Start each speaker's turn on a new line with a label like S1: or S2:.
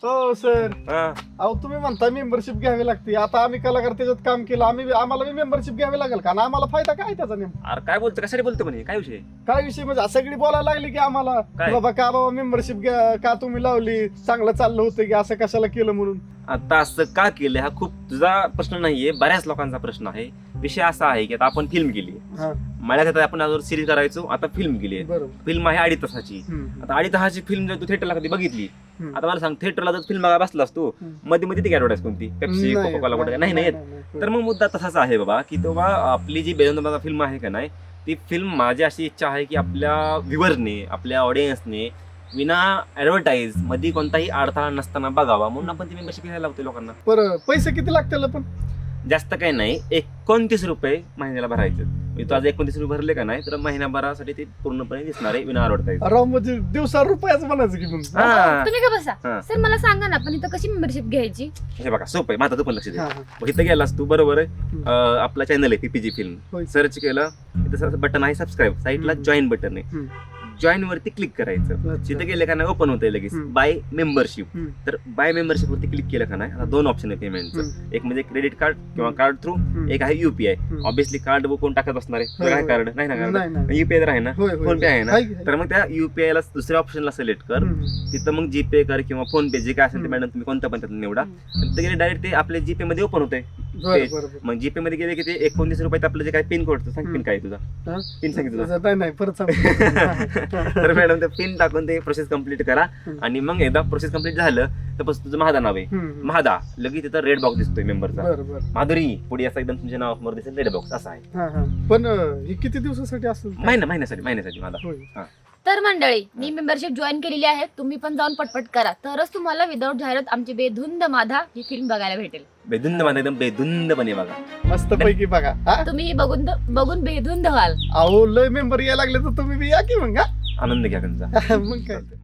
S1: हो सर,
S2: हा.
S1: अहो तुम्ही म्हणता मेंबरशिप घ्यावी लागते. आता आम्ही कलाकार त्याच्यात काम केलं, आम्हाला मेंबरशिप घ्यावी लागेल का ना? आम्हाला फायदा काय त्याचा नेमका?
S2: अरे काय बोलतो, कशाने बोलतो म्हणे, काय विषय?
S1: काय विषय म्हणजे सगळी बोलायला लागली की आम्हाला
S2: काय?
S1: की बाबा मेंबरशिप घ्या का तुम्ही लावली, चांगलं चाललं होतं की असं कशाला केलं म्हणून.
S2: आता असं का केलं हा खूप तुझा प्रश्न नाहीये, बऱ्याच लोकांचा प्रश्न आहे. विषय असा आहे की आता आपण फिल्म केली,
S1: हा,
S2: मला आता आपण अगोदर सिरीज करायचो, आता फिल्म केली आहे.
S1: बरोबर.
S2: फिल्म आहे 2.5 तासाची.
S1: हम्म,
S2: आता 2.5 तासाची फिल्म जर तू थिएटरला कधी बघितली,
S1: हम्म.
S2: आता मला सांग, थिएटरला जर फिल्म बघायला बसलास तू,
S1: हम्म.
S2: मध्ये मध्ये ती ऍडव्हर्टाईज कोणती, पेप्सी,
S1: नाही,
S2: कोका कोला वगैरे नाही येत. तर मग मुद्दा तसाच आहे बाबा, की तेव्हा आपली जी बेदोंदा फिल्म आहे का नाही, ती फिल्म माझी अशी इच्छा आहे की आपल्या व्ह्युअरने, आपल्या ऑडियन्सने विना ऍडव्हर्टाईज मध्ये कोणताही अडथळा नसताना बघावा, म्हणून आपण ती मेंबरशिप घ्यायला लावतो लोकांना.
S1: बरं, पैसे किती लागतील पण?
S2: जास्त काही नाही, 29 रुपये महिन्याला भरायचे. म्हणजे तू आज 29 रुपये भरले का नाही, तर महिनाभरासाठी ते पूर्णपणे दिसणार आहे विना ऍडव्हर्टाईज.
S1: राव म्हणजे दिवसा रुपयाच म्हणायचं की मग.
S2: हा.
S3: तुम्ही का
S2: हा.
S3: बसा सर, मला सांगा ना पण इथं कशी मेंबरशिप घ्यायची?
S2: हे बघा सोपं आहे, माझं तू पण लक्ष दे.
S1: हा, हा.
S2: मग इथं गेलास तू, बरोबर आहे, आपला चॅनल आहे पीपीजी फिल्म,
S1: होय.
S2: सर्च केलं, इथं बटन आहे सबस्क्राईब, साईडला
S1: हम्म.
S2: जॉईन बटन आहे,
S1: हम्म.
S2: जॉईन वरती क्लिक करायचं.
S1: अच्छा.
S2: तिथे गेले का नाही ओपन होतंय लगेच
S1: हम्म.
S2: Buy membership.
S1: हम्म.
S2: तर बाय मेंबरशिप वरती क्लिक केलं का नाही, आता 2 ऑप्शन आहे पेमेंटचं.
S1: हम्म.
S2: एक म्हणजे क्रेडिट कार्ड किंवा
S1: हम्म.
S2: कार्ड थ्रू,
S1: हम्म.
S2: एक आहे युपीआय.
S1: हम्म.
S2: ऑब्विसली कार्ड कोण टाकत असणार आहे,
S1: होय,
S2: काय
S1: होय.
S2: कार्ड नाही ना,
S1: नाही,
S2: कार्ड
S1: नाही.
S2: युपीआय तर आहे ना,
S1: होय, होय,
S2: फोन पे आहे ना.
S1: आहे की आहे.
S2: तर मग त्या युपीआय ला दुसऱ्या ऑप्शनला सिलेक्ट कर,
S1: हम्म.
S2: तिथं मग जीपे कर किंवा फोन पे, जे काय असेल ते
S1: हम्म.
S2: मॅडम तुम्ही कोणतं पण त्यातून निवडा.
S1: हम्म.
S2: तिथे गेले डायरेक्ट ते आपल्या जीपे मध्ये ओपन होतंय.
S1: बरं, बरं.
S2: मग जीपे मध्ये गेले की ते 29 रुपयात आपलं जे काय पिन कोड सांग, पिन काय आहे तुझा,
S1: हा?
S2: पिन सांगितलं तुझा.
S1: नाही परत सांग.
S2: तर मॅडम ते पिन टाकून ते प्रोसेस कम्प्लीट करा,
S1: हम्म.
S2: आणि मग एकदा प्रोसेस कम्प्लीट झालं तर बस तुझं महादा नाव आहे,
S1: हम्म.
S2: महादा, लगेच तिथं रेड बॉक्स दिसतोय मेंबरचा.
S1: बरं, बरं.
S2: माधुरी पुढे असं एकदम तुमच्या नावासमोर दिसेल रेड बॉक्स, असा आहे.
S1: हा, हा. पण हे किती दिवसासाठी असेल?
S2: महिन्यासाठी माझा.
S1: होय.
S3: तर मंडळी, मी मेंबरशिप जॉईन केलेली आहे, तुम्ही पण जाऊन पटपट करा, तरच तुम्हाला विदाऊट जाहिरात आमची बेधुंद माधा ही फिल्म बघायला भेटेल.
S2: बेधुंद माझा एकदम बेधुंदपणे बघा.
S1: मस्त पैकी बघा. हा?
S3: तुम्ही ही बघून बेधुंद व्हाल.
S1: अहो लय मेंबर यायला लागले तर तुम्ही बी या की मग. हा?
S2: आनंद घ्या त्यांचा.
S1: मग काय.